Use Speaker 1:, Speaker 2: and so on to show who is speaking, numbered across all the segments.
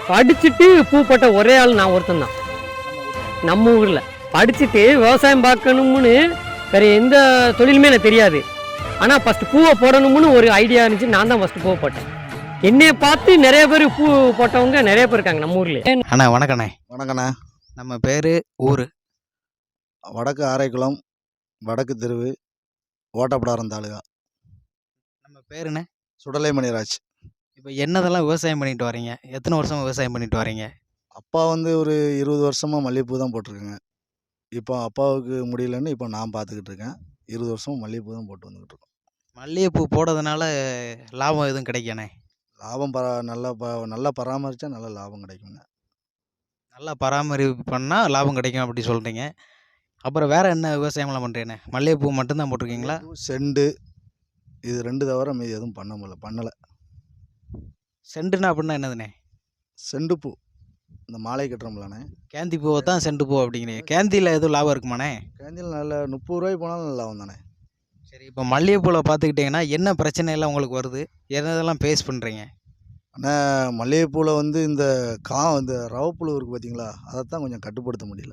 Speaker 1: படிச்சுட்டு பூ போட்ட ஒரே ஆள் நான் ஒருத்தன் தான் நம்ம ஊரில். படிச்சுட்டு விவசாயம் பார்க்கணும்னு வேற எந்த தொழிலுமே எனக்கு தெரியாது. ஆனால் ஃபஸ்ட்டு பூவை போடணும்னு ஒரு ஐடியா இருந்துச்சு. நான் தான் ஃபஸ்ட்டு பூவை போட்டேன். என்னைய பார்த்து நிறைய பேர் பூ போட்டவங்க நிறைய பேர் இருக்காங்க நம்ம ஊர்லேயே.
Speaker 2: அண்ணா வணக்கண்ணே.
Speaker 3: வணக்கண்ணே.
Speaker 2: நம்ம பேர் ஊர்
Speaker 3: வடக்கு ஆரைக்குளம், வடக்கு தெருவு, ஓட்டப்பிடாரம் தாலுகா.
Speaker 2: நம்ம பேருண்ணே
Speaker 3: சுடலை மணிராஜ்.
Speaker 2: இப்போ என்னதெல்லாம் விவசாயம் பண்ணிட்டு வரீங்க? எத்தனை வருஷமா விவசாயம் பண்ணிட்டு வரீங்க?
Speaker 3: அப்பா வந்து ஒரு 20 வருஷமாக மல்லிகைப்பூ தான் போட்டிருக்கேங்க. இப்போ அப்பாவுக்கு முடியலன்னு இப்போ நான் பார்த்துக்கிட்டு இருக்கேன். 20 வருஷமாக மல்லிகைப்பூ தான் போட்டு வந்துக்கிட்டு இருக்கோம்.
Speaker 2: மல்லிகைப்பூ போடுறதுனால லாபம் எதுவும் கிடைக்கண்ணே?
Speaker 3: லாபம் நல்லா பராமரித்தா நல்ல லாபம் கிடைக்குங்க.
Speaker 2: நல்லா பராமரிப்பு பண்ணால் லாபம் கிடைக்கும் அப்படி சொல்கிறீங்க. அப்புறம் வேறு என்ன விவசாயம்லாம் பண்ணுறீங்கண்ணே? மல்லிகைப்பூ மட்டும்தான் போட்டிருக்கீங்களா?
Speaker 3: செண்டு இது 2 தவிர மீதி எதுவும் பண்ணலை.
Speaker 2: செண்டுனா அப்படின்னா என்னதுண்ணே?
Speaker 3: செண்டு பூ இந்த மாலை கட்டுறோம்லண்ணே.
Speaker 2: கேந்தி பூவை தான் செண்டு பூ அப்படிங்கிறீங்க. கேந்தியில் எதுவும் லாபம் இருக்குமாண்ணே?
Speaker 3: கேந்தியில் நல்ல 30 ரூபாய்க்கு போனாலும் நல்ல லாபம் தானே.
Speaker 2: சரி, இப்போ மல்லிகைப்பூவில் பார்த்துக்கிட்டிங்கன்னா என்ன பிரச்சனையெல்லாம் உங்களுக்கு வருது? என்னதெல்லாம் ஃபேஸ் பண்ணுறீங்க?
Speaker 3: ஆனால் மல்லிகைப்பூவில் வந்து இந்த ரவப்புழு இருக்குது பார்த்தீங்களா, அதைத்தான் கொஞ்சம் கட்டுப்படுத்த முடியல.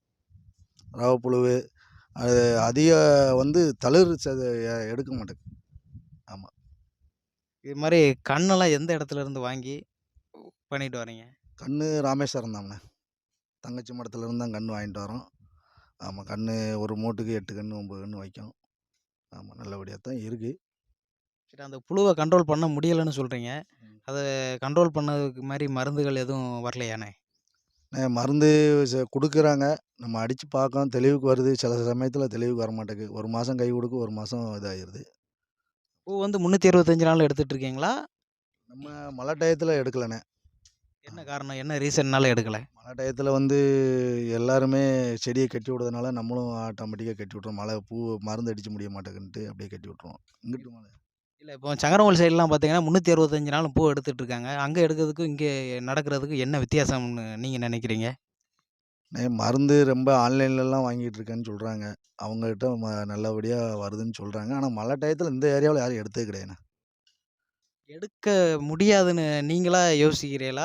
Speaker 3: ரவப்புழு அது அதிக வந்து தளிர் எடுக்க மாட்டேங்குது. ஆமாம்.
Speaker 2: இது மாதிரி கண்ணெல்லாம் எந்த இடத்துல இருந்து வாங்கி பண்ணிட்டு வரீங்க?
Speaker 3: கன்று ராமேஸ்வரம் தாங்கண்ணே. தங்கச்சி மடத்துலேருந்து தான் கன்று வாங்கிட்டு வரோம். ஆமாம், கன்று ஒரு மூட்டுக்கு 8 கன்று 9 கன்று வைக்கும். ஆமாம், நல்லபடியாக தான் இருக்குது.
Speaker 2: சரி, அந்த புழுவை கண்ட்ரோல் பண்ண முடியலைன்னு சொல்கிறீங்க. அதை கண்ட்ரோல் பண்ணதுக்கு மாதிரி மருந்துகள் எதுவும் வரலையாண்ணே?
Speaker 3: மருந்து கொடுக்குறாங்க, நம்ம அடித்து பார்க்கோம், தெளிவுக்கு வருது. சில சமயத்தில் தெளிவுக்கு வர மாட்டேங்குது. ஒரு மாதம் கை கொடுக்கும், ஒரு மாதம் இதாகிடுது.
Speaker 2: பூ வந்து 365 நாள் எடுத்துகிட்டு இருக்கீங்களா?
Speaker 3: நம்ம மழை டயத்தில் எடுக்கலைண்ணே.
Speaker 2: என்ன காரணம்? என்ன ரீசன்னால எடுக்கலை?
Speaker 3: மழை டயத்தில் வந்து எல்லாருமே செடியை கட்டி விடுறதுனால நம்மளும் ஆட்டோமேட்டிக்காக கட்டி விட்ருவோம். பூ மருந்து அடிக்க முடிய மாட்டேங்குன்ட்டு அப்படியே கட்டி விட்ருவோம். இங்கிட்டு மழை
Speaker 2: இல்லை, இப்போ சங்கரங்கோல் சைட்லாம் பார்த்தீங்கன்னா 365 நாளும் பூ எடுத்துகிட்டு இருக்காங்க. அங்கே எடுக்கிறதுக்கும் இங்கே நடக்கிறதுக்கும் என்ன வித்தியாசம்னு நீங்கள் நினைக்கிறீங்க?
Speaker 3: மருந்து ரொம்ப ஆன்லைன்லலாம் வாங்கிட்டு இருக்கேன்னு சொல்கிறாங்க. அவங்ககிட்ட நல்லபடியாக வருதுன்னு சொல்கிறாங்க. ஆனால் மழை டயத்தில் இந்த ஏரியாவில் யாரும் எடுத்தே கிடையாதுண்ணே.
Speaker 2: எடுக்க முடியாதுன்னு நீங்களா யோசிக்கிறீங்களா?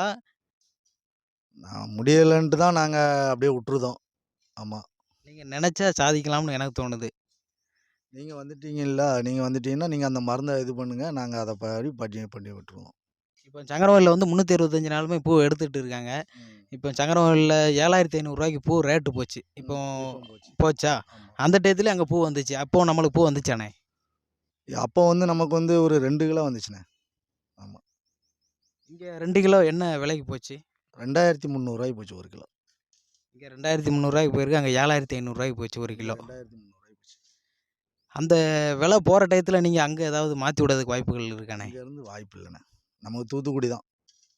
Speaker 3: நான் முடியலைன்ட்டு தான் நாங்கள் அப்படியே விட்டுருதோம். ஆமாம்.
Speaker 2: நீங்கள் நினச்சா சாதிக்கலாம்னு எனக்கு தோணுது.
Speaker 3: நீங்கள் வந்துட்டீங்கன்னா நீங்கள் அந்த மருந்தை இது பண்ணுங்கள், நாங்கள் அதை பண்ணி விட்டுருவோம்.
Speaker 2: இப்போ சங்கரங்கோயிலில் வந்து 365 நாளுமே பூ எடுத்துகிட்டு இருக்காங்க. இப்போ சங்கரங்கோயிலில் 7500 பூ ரேட்டு போச்சு. இப்போ போச்சா? அந்த டயத்துல அங்கே பூ வந்துச்சு. அப்போ நம்மளுக்கு பூ வந்துச்சாண்ணே?
Speaker 3: அப்போ வந்து நமக்கு வந்து ஒரு 2 கிலோ வந்துச்சுண்ணே. ஆமாம்.
Speaker 2: இங்கே 2 கிலோ என்ன விலைக்கு போச்சு?
Speaker 3: 2300 போச்சு 1 கிலோ.
Speaker 2: இங்கே 2300 போயிருக்கு, அங்கே 7500 போச்சு 1 கிலோ.
Speaker 3: 2300 போச்சு.
Speaker 2: அந்த விலை போகிற டயத்தில் நீங்கள் அங்கே ஏதாவது மாற்றி விடுறதுக்கு வாய்ப்புகள் இருக்காண்ணே?
Speaker 3: இங்கேருந்து வாய்ப்பு இல்லைண்ணே. நமக்கு தூத்துக்குடி தான்.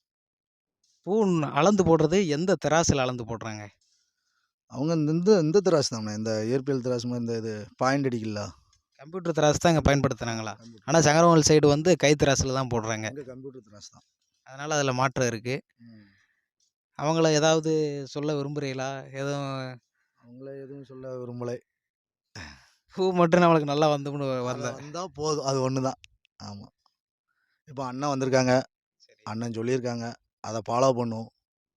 Speaker 2: பூ அளந்து போடுறது எந்த திராசில் அளந்து போடுறாங்க?
Speaker 3: அவங்க இந்த திராசு தானே, இந்த இயற்பியல் திராசு மாதிரி இந்த இது பாயிண்ட் அடிக்கல.
Speaker 2: கம்ப்யூட்டர் திராஸ் தான் இங்கே பயன்படுத்துகிறாங்களா? ஆனால் சங்கரங்கோயில் சைடு வந்து கை திராசில் தான் போடுறாங்க.
Speaker 3: கம்ப்யூட்டர் திராசு தான்.
Speaker 2: அதனால் அதில் மாற்றம் இருக்குது. அவங்கள ஏதாவது சொல்ல விரும்புகிறீங்களா? எதுவும்
Speaker 3: அவங்கள எதுவும் சொல்ல விரும்பலை.
Speaker 2: பூ மட்டும் நம்மளுக்கு நல்லா வந்துன்னு
Speaker 3: வந்தால் போதும், அது ஒன்று தான். ஆமாம். இப்போ அண்ணன் வந்திருக்காங்க, அண்ணன் சொல்லியிருக்காங்க, அதை ஃபாலோ பண்ணுவோம்.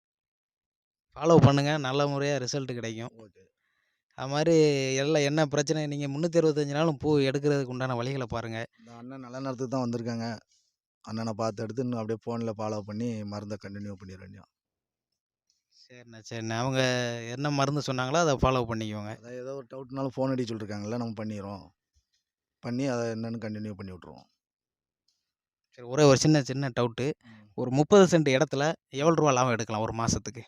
Speaker 2: ஃபாலோ பண்ணுங்கள், நல்ல முறையாக ரிசல்ட் கிடைக்கும்.
Speaker 3: ஓகே.
Speaker 2: அது மாதிரி எல்லாம் என்ன பிரச்சனை, நீங்கள் 365 நாளும் பூ எடுக்கிறதுக்கு உண்டான வழிகளை பாருங்கள்.
Speaker 3: இந்த அண்ணன் நல்ல நேரத்துக்கு தான் வந்திருக்காங்க. அண்ணனை பார்த்து எடுத்து இன்னும் அப்படியே ஃபோனில் ஃபாலோ பண்ணி மருந்தை கண்டினியூ பண்ணிட வேண்டியது.
Speaker 2: சரிண்ணே. அவங்க என்ன மருந்து சொன்னாங்களோ அதை ஃபாலோ பண்ணிக்குவோங்க.
Speaker 3: அதான் ஏதோ ஒரு டவுட்னாலும் ஃபோன் அடி சொல்லியிருக்காங்கல்ல, நம்ம பண்ணிடுறோம். பண்ணி அதை என்னென்னு கண்டினியூ பண்ணி விட்ருவோம்.
Speaker 2: சரி, ஒரே ஒரு சின்ன டவுட்டு. ஒரு 30 சென்ட் இடத்துல எவ்வளோ ரூபா லாபம் எடுக்கலாம் ஒரு மாதத்துக்கு?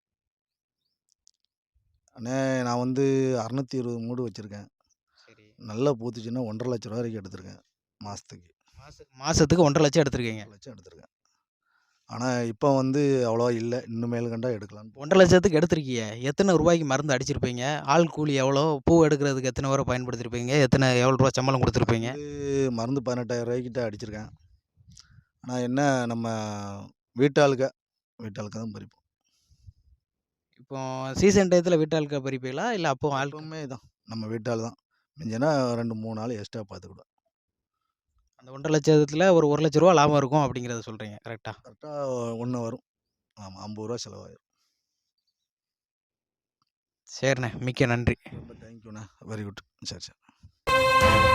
Speaker 3: அண்ணே, நான் வந்து 620 மூடு வச்சுருக்கேன்.
Speaker 2: சரி,
Speaker 3: நல்லா பூத்துச்சுன்னா 1,50,000 ரூபா வரைக்கும் எடுத்திருக்கேன் மாதத்துக்கு.
Speaker 2: மாதத்துக்கு 1,50,000 லட்சம் எடுத்திருக்கீங்க?
Speaker 3: 1,50,000 லட்சம் எடுத்திருக்கேன். ஆனால் இப்போ வந்து அவ்வளோவா இல்லை, இன்னும் மேல் கண்டா எடுக்கலான்னு.
Speaker 2: 1,50,000 லட்சத்துக்கு எடுத்திருக்கீங்க. எத்தனை ரூபாய்க்கு மருந்து அடிச்சிருப்பீங்க? ஆள் கூலி எவ்வளோ? பூ எடுக்கிறதுக்கு எத்தனை பேரை பயன்படுத்தியிருப்பீங்க? எவ்வளோ ரூபா சம்பளம் கொடுத்துருப்பீங்க?
Speaker 3: மருந்து 18,000 ரூபாய்க்கிட்ட அடிச்சிருக்கேன். ஆனால் என்ன, நம்ம வீட்டாளுக்கு தான் பறிப்போம்.
Speaker 2: இப்போ சீசன் டயத்தில் வீட்டாளுக்கு பறிப்பீங்களா? இல்லை அப்போ
Speaker 3: எப்பவுமே தான் நம்ம வீட்டால் தான். மிஞ்சினா 2-3 நாள் எக்ஸ்ட்ரா பார்த்துக்கிடுவோம்.
Speaker 2: அந்த 1,50,000 லட்சத்தில் ஒரு 1,00,000 ரூபா லாபம் இருக்கும் அப்படிங்கிறத சொல்கிறீங்க, கரெக்டாக?
Speaker 3: கரெக்டாக 1 வரும். ஆமாம் 50 ரூபா செலவாயிரும்.
Speaker 2: சரிண்ணே, மிக்க நன்றி.
Speaker 3: ரொம்ப தேங்க்யூண்ணா, வெரி குட். சரி சரி.